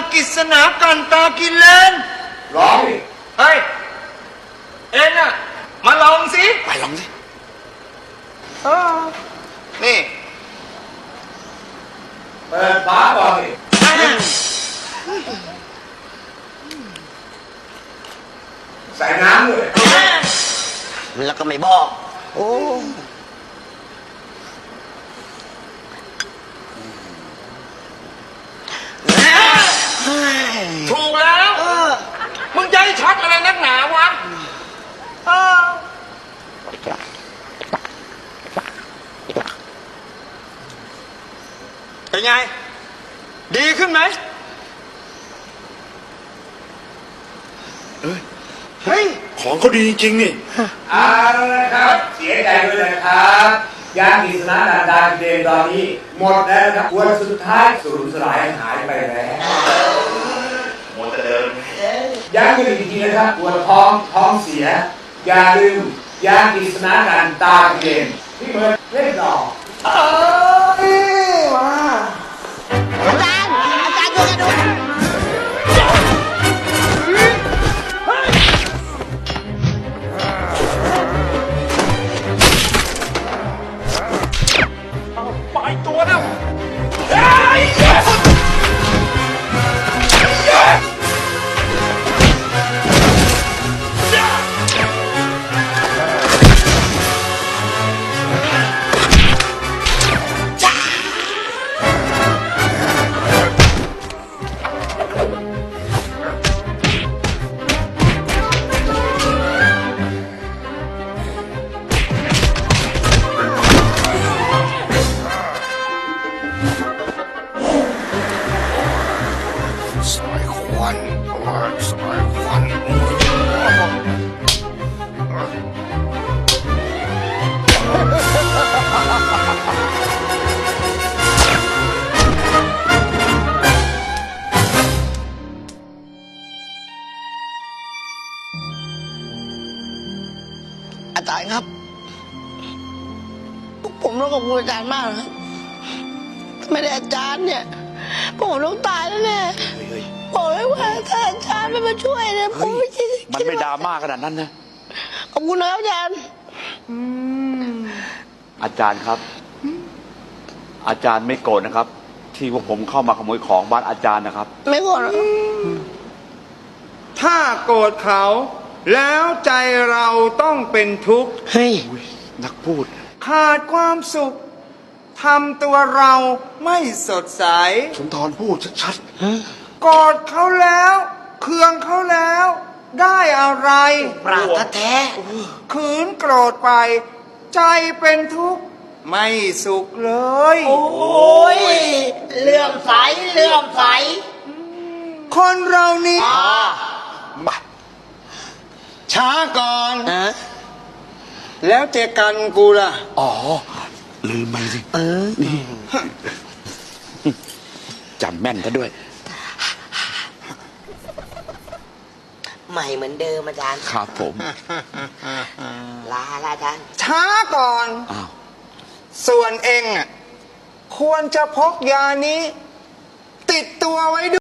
กิษณากันตากินเลนร้องดิเฮ้ยเอ็งอะมาลองสิไปลองสินี่เปิดฝาก่อนดิใส่น้ำด้วยแล้วก็ไม่บอกโอ้ถูกแล้วมึงจะให้ช็อตอะไรนักหนาวะเป็นไงดีขึ้นไหมเฮ้ยของเขาดีจริงๆนี่เอาละครับเสียใจด้วยนะครับยากิษณะดาเดนตอนนี้หมดแล้วครับวันสุดท้ายสูญสลายหายไปแล้วหมดเดิมย้ำกันอีกทีนะครับปวดท้องเสียอย่าลืมยากิษณะดาเดนที่เบิร์ดเล่นต่อมาอาจารย์ช่วยกันดูปล่อยตัวนะสายควันสายควันอาจารย์ครับผมต้องขอบคุณอาจารย์มากนะครับไม่ได้อาจารย์เนี่ยผมต้องตายแล้วเนี่ยบอกเลยว่าถ้าอาจารย์ไม่มาช่วยเนี่ยผมไม่คิดมันไม่ดราม่าขนาดนั้นนะขอบคุณนะครับอาจารย์อาจารย์ครับอาจารย์ไม่โกรธนะครับที่พวกผมเข้ามาขโมยของบ้านอาจารย์นะครับไม่โกรธถ้าโกรธเขาแล้วใจเราต้องเป็นทุกข์เฮ้ยนักพูดขาดความสุขทำตัวเราไม่สดใสสุนทรพูดชัดๆโกรธเขาแล้วเคืองเขาแล้วได้อะไรปราดแท้ขืนโกรธไปใจเป็นทุกข์ไม่สุขเลยโอ้ยเลื่อมใสคนเรานี่ช้าก่อนแล้วเจอกันกูล่ะอ๋อลืมไปสินี่จำแม่นซะด้วยใหม่เหมือนเดิมอาจารย์ครับผมลาอาจารย์ช้าก่อนส่วนเองอ่ะควรจะพกยานี้ติดตัวไว้ด้วย